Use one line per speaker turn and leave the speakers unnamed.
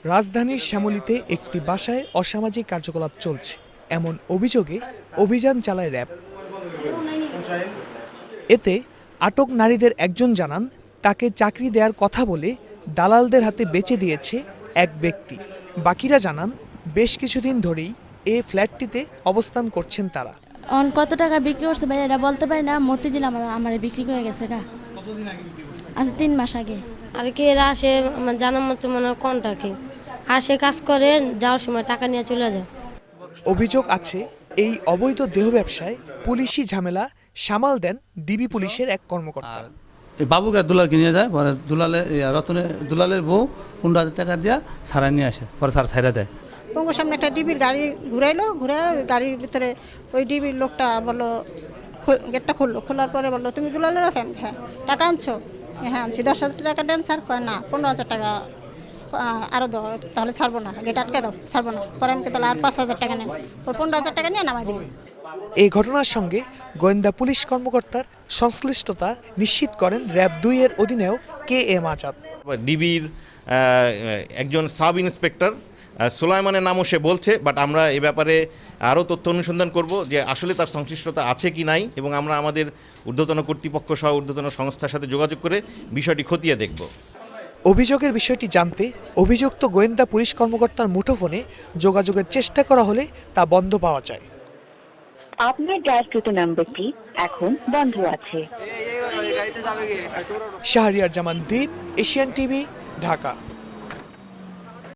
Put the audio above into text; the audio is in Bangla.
রাজধানীর শ্যামলীতে একটি বাসায় অসামাজিক কার্যকলাপ চলছে এমন অভিযোগে অভিযান চালায় র্যাব। এতে আটক নারীদের একজন জানান, তাকে চাকরি দেওয়ার কথা বলে দালালদের হাতে বেচে দিয়েছে এক ব্যক্তি। বাকিরা জানান, বেশ কিছুদিন ধরেই এই ফ্ল্যাটটিতে অবস্থান করছেন তারা।
কত টাকা বিক্রি করছে ভাই এটা বলতে পারি না। মতিঝিল আমার বিক্রি করে গেছে গা। আচ্ছা 3 মাস আগে।
আর কি এরা আসে জানার মতো মনে হয় কন্টাকে আসে, কাজ করে, যাওয়ার সময় টাকা নিয়ে চলে যায়।
অভিযোগ আছে, এই অবৈধ দেহ ব্যবসায় পুলিশি ঝামেলা সামাল দেন ডিবি পুলিশের এক কর্মকর্তা।
এই বাবুকে দুলাল কিনে যায়, পরে দুলালের বউ 15,000 টাকা দিয়া ছাড়া নিয়ে আসে, পরে স্যার ছাইরা দেয়।
পঙ্গুর সামনে একটা ডিবির গাড়ি ঘুরে গাড়ির ভিতরে ওই ডিবির লোকটা বললো, গেটটা খোলার পরে বললো, তুমি দুলালের ফ্যামিলি? হ্যাঁ। টাকা আনছো? হ্যাঁ আনছি। 10,000 টাকা দেন স্যার। কয় না, 15,000 টাকা আরও দাও, তাহলে ছাড়বো না, গেট আটকে দাও, ছাড়বো না। পরে আমাকে তাহলে আর 5,000 টাকা নেন, ওর 15,000 টাকা নিয়ে নামাই দিন।
এই ঘটনার সঙ্গে গোয়েন্দা পুলিশ কর্মকর্তার সংশ্লিষ্টতা নিশ্চিত করেন র্যাব 2 এর অধিনায়ক KM আজাদ।
ডিবির একজন সাব ইন্সপেক্টর সুলাইমানের নামও সে বলছে, বাট আমরা এ ব্যাপারে আরও তথ্য অনুসন্ধান করব যে আসলে তার সংশ্লিষ্টতা আছে কি নাই, এবং আমরা আমাদের ঊর্ধ্বতন কর্তৃপক্ষ সহ ঊর্ধ্বতন সংস্থার সাথে যোগাযোগ করে বিষয়টি খতিয়ে দেখব।
অভিযোগের বিষয়টি জানতে অভিযুক্ত গোয়েন্দা পুলিশ কর্মকর্তার মুঠোফোনে যোগাযোগের চেষ্টা করা হলে তা বন্ধ পাওয়া যায়।
আপনার ডায়ালকৃত নম্বরটি এখন বন্ধ আছে।
শাহরিয়ার জামান দ্বীপ, এশিয়ান টিভি, ঢাকা।